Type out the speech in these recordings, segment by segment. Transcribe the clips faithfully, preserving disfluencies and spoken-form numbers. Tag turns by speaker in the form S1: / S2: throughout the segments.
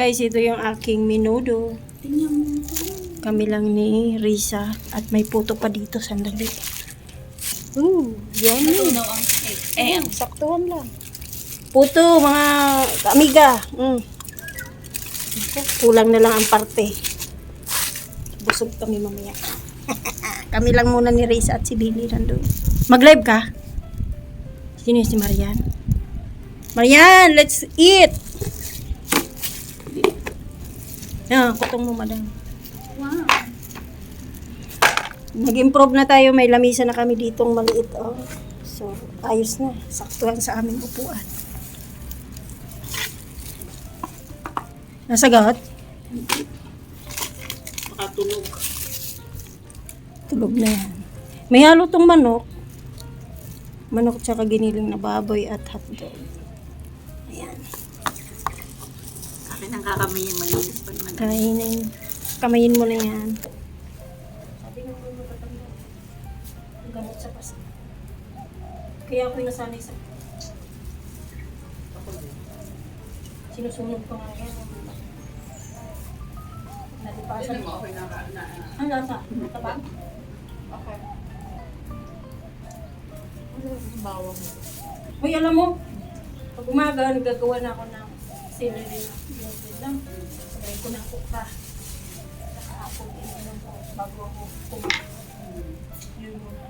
S1: guys, ito yung aking menudo.
S2: Tingnan mo.
S1: Kami lang ni Risa at may puto pa dito, sandali. Ooh, yummy.
S2: Natunaw ang cake.
S1: Eh, ang saktuhan lang. Puto, mga amiga. Mm. Kulang na lang ang parte. Busog kami mamaya. Kami lang muna ni Risa at si Billy nandun. Mag-live ka? Sino yung si Marian? Marian, let's eat! Ah, kutong mo, madam.
S2: Wow.
S1: Nag-improve na tayo. May lamisa na kami ditong maliit. Oh. So, ayos na. Saktuhan sa aming upuan. Nasagot?
S2: Makatulog.
S1: Tulog na yan. May halo tong manok. Manok tsaka giniling na baboy at hotdog. Ayan.
S2: Akin ang kakamayin malinis pa naman.
S1: Kainin. Kamayin mo na yan. Sabi ng mga matatanda, ang gamot sa pasta. Kaya ako'y nasanay sa... Sinusunod ko nga yan. Nalipasan.
S2: Tignan mo, okay na ka na.
S1: Ang lasa? Matabang?
S2: Okay. Ano yung bawang mo?
S1: Uy, alam mo, pag umaga, nagagawa na ako ng celery na binutid lang. Sabay ko ng kuka. Saka ako, ininom ko bago ako kumain. Yun muna.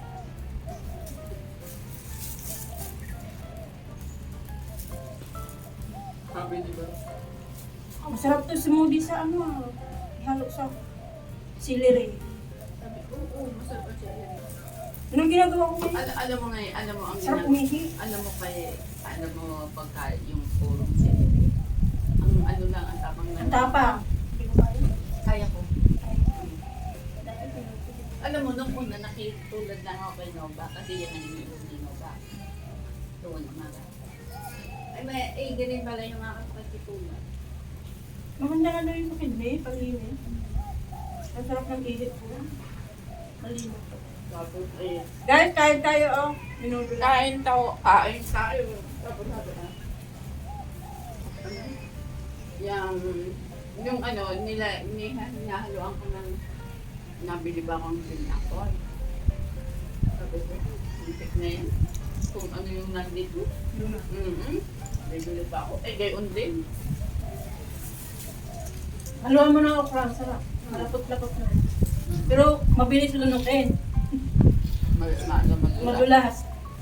S2: Sabi, di ba?
S1: Masarap to smoothie sa ano, ihalo sa celery.
S2: Sabi, oo, oo, masarap ang siya.
S1: Anong ginagawa ko ngayon?
S2: Alam, alam mo nga, eh, alam mo ang
S1: Sarap
S2: ginag-
S1: umihi.
S2: alam mo kay, alam mo pagka yung purong celery. Ang ano lang, ang tapang lang.
S1: Ang tapang. Hindi ko kaya.
S2: Kaya ko.
S1: Dati pinutid.
S2: Alam mo, nung una nakitulad lang ako kay Nova kasi yan ang iniinom ni Nova. Doon, umaga. Ay, may, eh, ganun pala yung mga kapatitulad.
S1: Maganda nga daw yung sa kidney, pag-iwin. Ang sarap ng ihit ko. Malino.
S2: Tapos, eh,
S1: Guys, kain tayo, oh. Minuto lang.
S2: kain tayo, kain tayo. Tapos sabi na, ano? Yung, yung ano, nila, nihahaluan ko ng, nabili ba akong pinakon? Sabi ko, muntik na yan. Kung ano yung nandito.
S1: Yun na.
S2: Mm-hmm. Bibili pa ako. Eh, gayon din.
S1: Haluan mo ng okra, ang sarap. Malapot-lapot na. Pero mabilis lunukin.
S2: Mal, maano, madula.
S1: Madulas.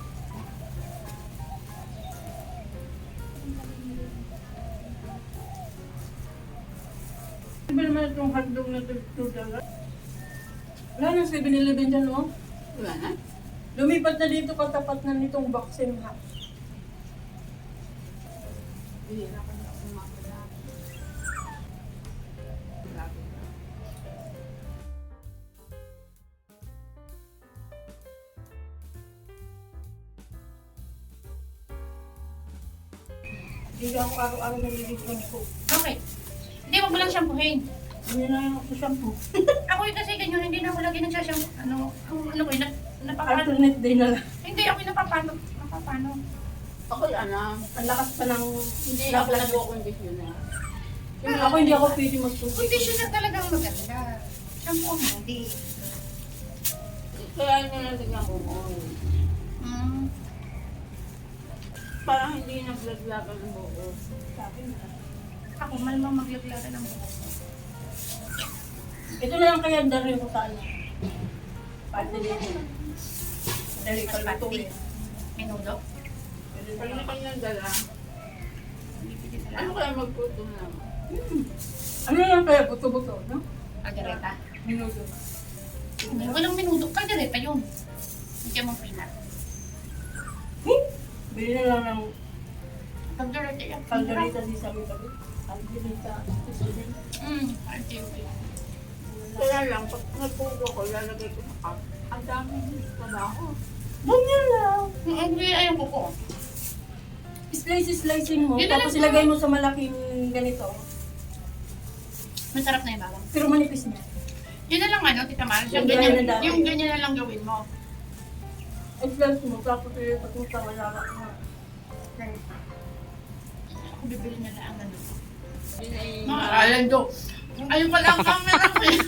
S1: Ano ba naman itong hotdog na two dollars? Wala nang seven eleven dyan, oh.
S2: Wala na?
S1: Lumipat na dito katapat na nitong boxing house.
S2: Bihira ko na ako makala. Grabe na.
S1: Hindi ako araw-araw nalilipan ko.
S3: Okay. Hindi, wag mo lang shampoohin.
S1: Hindi na lang ako shampoo.
S3: Ako yung kasi ganyan, hindi na ako lagi nagsashampoo. Ano, ang ano ko, nap, napapano.
S1: Alternate day na lang.
S3: Hindi, ako yung napapano. Napapano.
S2: Ako ano,
S1: Ang lakas pa ng...
S2: hindi ako nag-conditioner.
S1: Yung ako hindi ako pwede magtubig.
S3: Conditioner talagang maganda. Shampoo mo, hindi.
S2: Kaya nilalagyan ko oil.
S3: Mm.
S2: Parang hindi naglaglagan ng buo.
S1: Sabi na.
S3: Ako, malamang maglaglaga ng buhok.
S1: Ito na lang kaya dari ko sa ano. Pati dito. Dali ka luto eh.
S3: Menudo.
S2: Pag na kanyang dala,
S3: Bibili na
S2: ano
S3: lang.
S2: kaya magputo na?
S1: Ano lang kaya buto-buto, no?
S3: Kaldereta.
S1: Minuto.
S3: Walang menudo. Kaldereta yun. Hindi mong peanut.
S1: Hmm? Bili na lang ng
S3: Kaldereta yan.
S1: kalderita di sabi sabi. Kalderita.
S3: Mm. Kaldereta.
S2: Kaya lang, pag nagputo ko, lalagay ko sa cup. Ang dami trabaho.
S1: Ganyan lang.
S3: Ang ayaw ko ko.
S1: Slice-slicing mo,
S3: Yun na
S1: tapos
S3: lang.
S1: ilagay mo sa malaking ganito.
S3: Masarap na yung bawang.
S1: Pero manipis niya.
S3: Yun na lang ano, Tita Mar. Yung
S1: Yung
S3: ganyan,
S1: ganyan na lang.
S3: yung ganyan na lang gawin mo.
S1: I-slice mo, tapos ilipat mo sa malawak na.
S3: Ako bibili na lang ano.
S2: Yun ay...
S3: Mga alando. Ayun pala ang camera ko eh.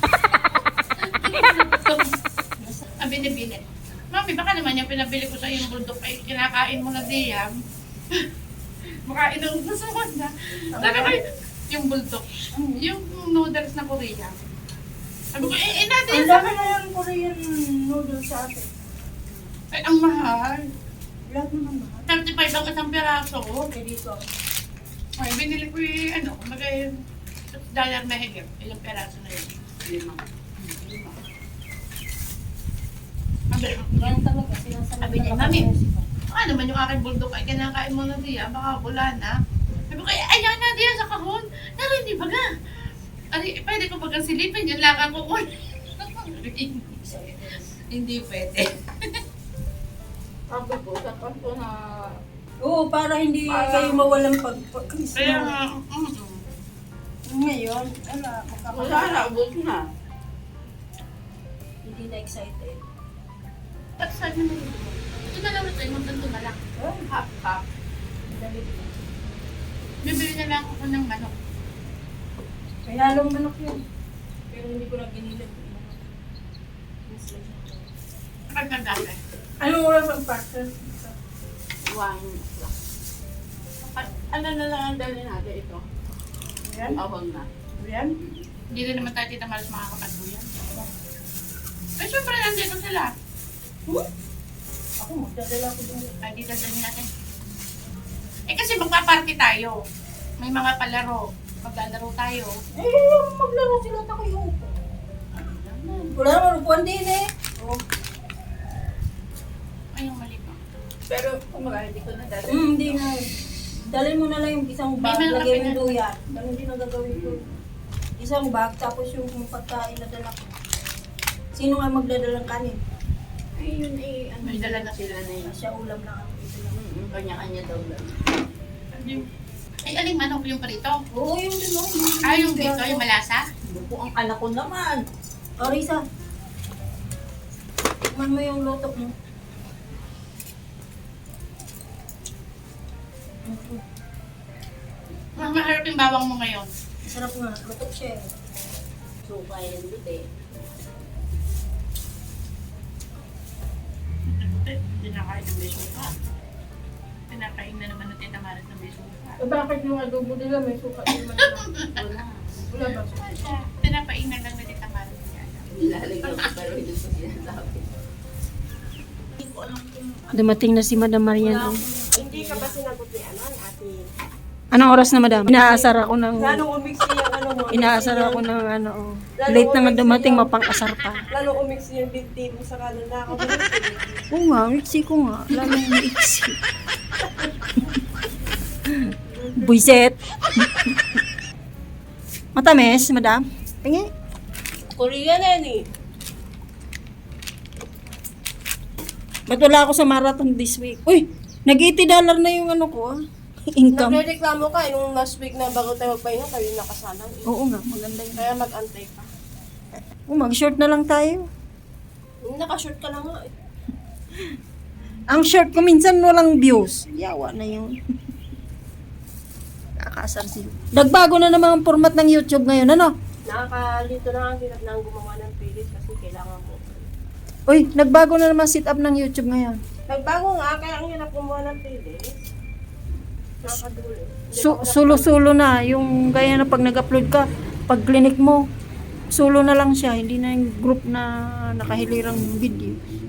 S3: Ang binibili. Mami, baka naman yung pinabili ko sa yung bundok ay kinakain mo na diyam. Baka inuubusan ko na. Sabi ko, yung bulldog, yung noodles na Korea. Sabi ko, eh, eh natin.
S1: Ang dami na yung Korean noodles sa atin.
S3: Ay, ang mahal.
S1: Lahat naman mahal.
S3: thirty-five ang isang piraso.
S1: Okay, dito.
S3: Ay, binili ko yung ano, kumbaga yung dollar na higit. Ilang piraso na yun.
S2: Lima.
S3: Sabi,
S1: Yan talaga, sinasabi
S3: Sabi niya, "Mami, ano naman yung aking bulldog ay kinakain mo na diya, baka wala na." Sabi ko, "Eh, ayan na diya sa kahon. Naroon, hindi baga. Ari, pwede ko bagang silipin, yun lang ang kukunin." Hindi pwede.
S2: Sabi ko, sa pasto na...
S1: Oo, para hindi
S2: Para-
S1: kayo mawalang pag-Christmas.
S3: Kaya nga, mm
S1: Ngayon, wala,
S2: Wala na, ubos na.
S1: Hindi na excited.
S3: At saan naman ito? Ito na lang ito, yung magtanto na lang.
S1: Oh,
S2: Half, half.
S1: dali.
S3: Bibili na lang ako ng manok.
S1: May halong manok yun. Pero hindi ko na binilad.
S3: Ang kagaya.
S1: Anong oras ang practice?
S2: One o'clock. A- Ano na lang ang dali natin ito?
S1: Ayan?
S2: Awang na.
S1: Ayan?
S3: Hindi rin naman tayo tita Maris makakapagbuyan. Eh, syempre nandito sila.
S1: Hmm? Ako, magdadala ko doon.
S3: Ay, di dadalhin natin. Eh, kasi magpaparty tayo. May mga palaro. Maglalaro tayo.
S1: Eh, maglaro sila at ako yung upo. Wala naman, upuan din eh. Oh.
S3: Ay, yung mali pa.
S2: Pero kumaga, hindi ko na dali.
S1: Hmm, hindi na. Dalhin mo na lang yung isang bag,
S3: May mga
S1: lagay mo
S3: pinag-
S1: luya. Ganun din ang gagawin ko. Isang bag, tapos yung pagkain na dala ko. Sino nga magdadalang kanin?
S2: Ay, yun eh, ano,
S3: May dala na
S2: sila na yun.
S1: Siya ulam lang ako. Ito lang.
S2: Mm, Kanya-kanya daw lang.
S3: Ay, aling manok yung parito?
S1: Oo, yung din oh.
S3: Ay, yung dito, yung malasa?
S2: Buko ang anak ko naman.
S1: O, Risa. Tikman mo yung lotok mo. Mm,
S3: Mas maharap yung bawang mo ngayon.
S1: Masarap nga. Lotok siya eh.
S2: So, kaya nandun eh.
S3: Hindi nakain ng besuka. Pinakain na naman ng tita Maris ng besuka.
S1: Eh, bakit yung adobo nila may suka naman lang?
S2: Wala.
S1: Wala ba suka?
S3: Pinapain na lang ng tita Maris niya.
S2: Nilalagyan ko pero hindi ko sinasabi.
S1: Dumating na si Madam Marian. Oh.
S4: Hindi ka ba sinagot ni ano, ni ate?
S1: Anong oras na, Madam? Inaasar ako ng...
S4: Lalong umiksi yung ano mo.
S1: Inaasar ako ng ano. Oh. Late na nga dumating, mapang-asar pa.
S4: Lalong umiksi yung binti mo sa kanan na ako.
S1: Oo nga, iksi ko nga. Lalo yung iksi. Buiset. Matamis, Madam? Pingi.
S4: Korean na yan eh.
S1: Ba't wala ako sa marathon this week? Uy, nag-eighty dollar na yung ano ko ah. Income.
S4: Nagre-reklamo ka, yung last week na bago tayo magpahinga, kayo nakasalang eh.
S1: Oo nga, maganda yun.
S4: Kaya mag-antay ka.
S1: Oh, mag-short na lang tayo.
S4: Yung nakashort ka na nga eh.
S1: Ang short ko minsan walang views. Yawa na yun. Kakasar sila. Nagbago na naman ang format ng YouTube ngayon, ano?
S4: Nakakalito na ang hirap na ang gumawa ng playlist kasi kailangan mo.
S1: Uy, nagbago na naman sit up ng YouTube ngayon.
S4: Nagbago nga, kaya ang hirap gumawa ng playlist. Nakadulo.
S1: Su- sulo-sulo na. Yung gaya na pag nag-upload ka, pag clinic mo, solo na lang siya. Hindi na yung group na nakahilirang video.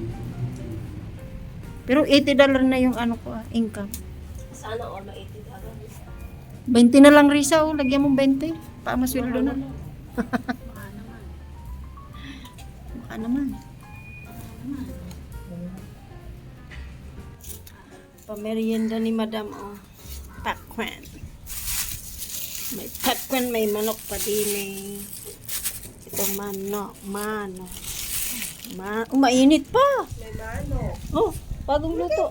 S1: Pero eighty dollar na yung ano ko, ah, income.
S4: Sana all ma-eighty dollars.
S1: twenty na lang, Risa. Oh. Lagyan mo twenty. Pamasweldo na.
S2: Baka naman.
S1: Baka naman. Pamerienda ni Madam, oh. Pakwan. May pakwan, may manok pa din eh. Ito manok, manok. Ma oh, mainit pa.
S4: May mano.
S1: Oh, bagong luto.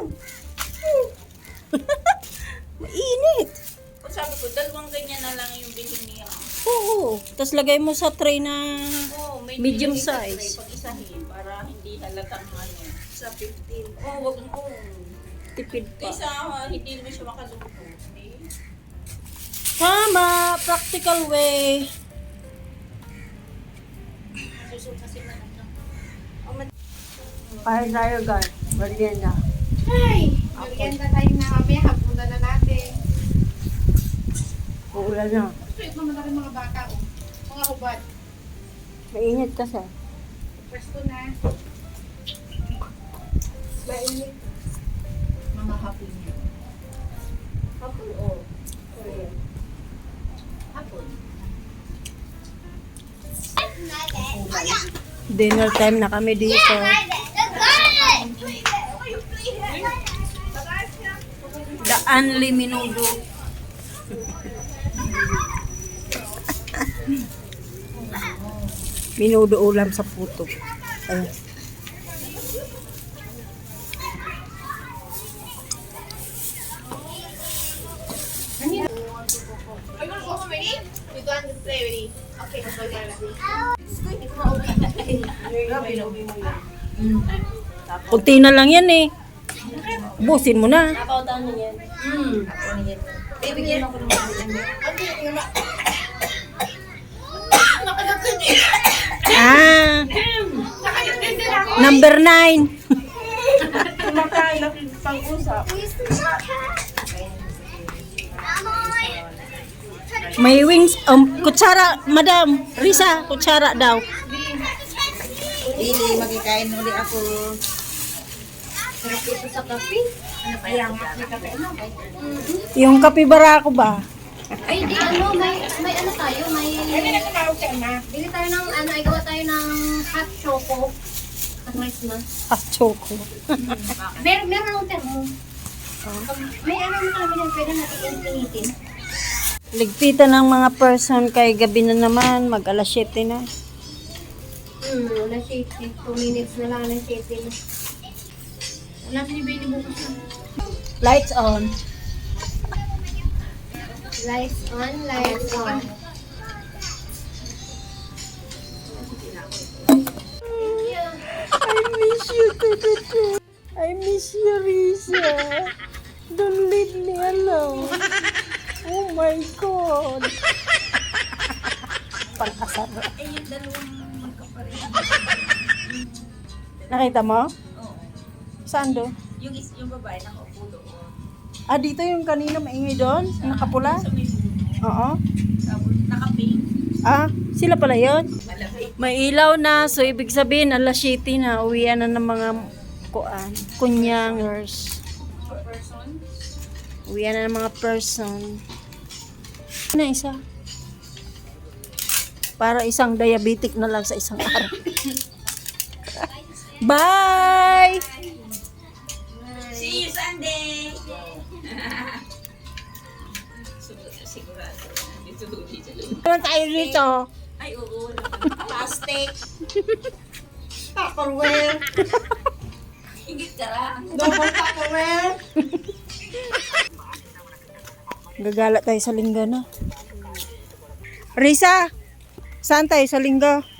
S1: Mainit.
S2: O sabi ko, dalawang ganyan na lang yung bilhin niya.
S1: Oo. Tapos lagay mo sa tray na
S2: Oo, may
S1: medium
S2: isa
S1: size.
S2: Pag isahin, para hindi halatang ano.
S4: Sa fifteen.
S2: Oo, wag mo.
S1: Tipid pa.
S2: Kaysa ah, hindi naman siya makaluto. Eh,
S1: Tama, practical way. Para tayo guys, merienda.
S3: Ay! Merienda tayo na kami. Hapunan na natin.
S1: Uulan na.
S3: Sweet naman na rin mga bata. Oh. Mga hubad.
S1: Mainit kasi.
S3: Pwesto na. Mainit. Mga hapon niya. Hapon o? Korean. Hapon.
S1: Dinner time na kami dito. Daan liminudo. Minudo ulam sa puto. Ayun.
S3: Are you gonna go home already? We go and play already. Okay, let's go there.
S1: Kunti na lang yan eh. Busin mo na. Ah, number nine.
S4: Kumakain na pang-usap.
S1: May wings, um, kutsara, madam. Risa, kutsara daw.
S2: Dili, magkikain ulit ako.
S1: Yung kapibara ko ba?
S5: Ay, di ano, may, may ano tayo, may...
S4: Ano na tumawag ka na?
S5: Bili tayo ng, ano, ay gawa tayo ng hot choco. At rice na.
S1: Ah, choco.
S5: Meron, meron akong termo. May ano na kami na pwede natin initin.
S1: Ligpitan ng mga person kay gabi na naman, mag alas siyete na.
S5: Hmm, wala safety. two minutes na lang na safety na. Wala pinibili bukas na.
S1: Lights on.
S5: Lights on, lights on.
S1: I miss you, Tututu. I miss you, Risa. Don't leave me alone. Oh my God. Pang-asar. Nakita mo? Oo. Saan do?
S2: Yung, is, yung babae nakaupo doon.
S1: Ah, dito yung kanina maingay doon? Nakapula? Oo.
S2: Nakaping.
S1: Ah, sila pala yun? May ilaw na, so ibig sabihin, alas siyete na, uwian na ng mga kuan, kunyangers. Uwian na ng mga person. Na isa. Para isang diabetic na lang sa isang araw. Bye!
S2: See you Sunday! Sigurado. Dito, dito, dito.
S1: Ano tayo dito?
S2: Ay, oo. Plastic.
S4: Tupperware.
S2: Higit ka lang.
S4: Double Tupperware.
S1: Gagala tayo sa linggo na. Risa, saan tayo sa linggo?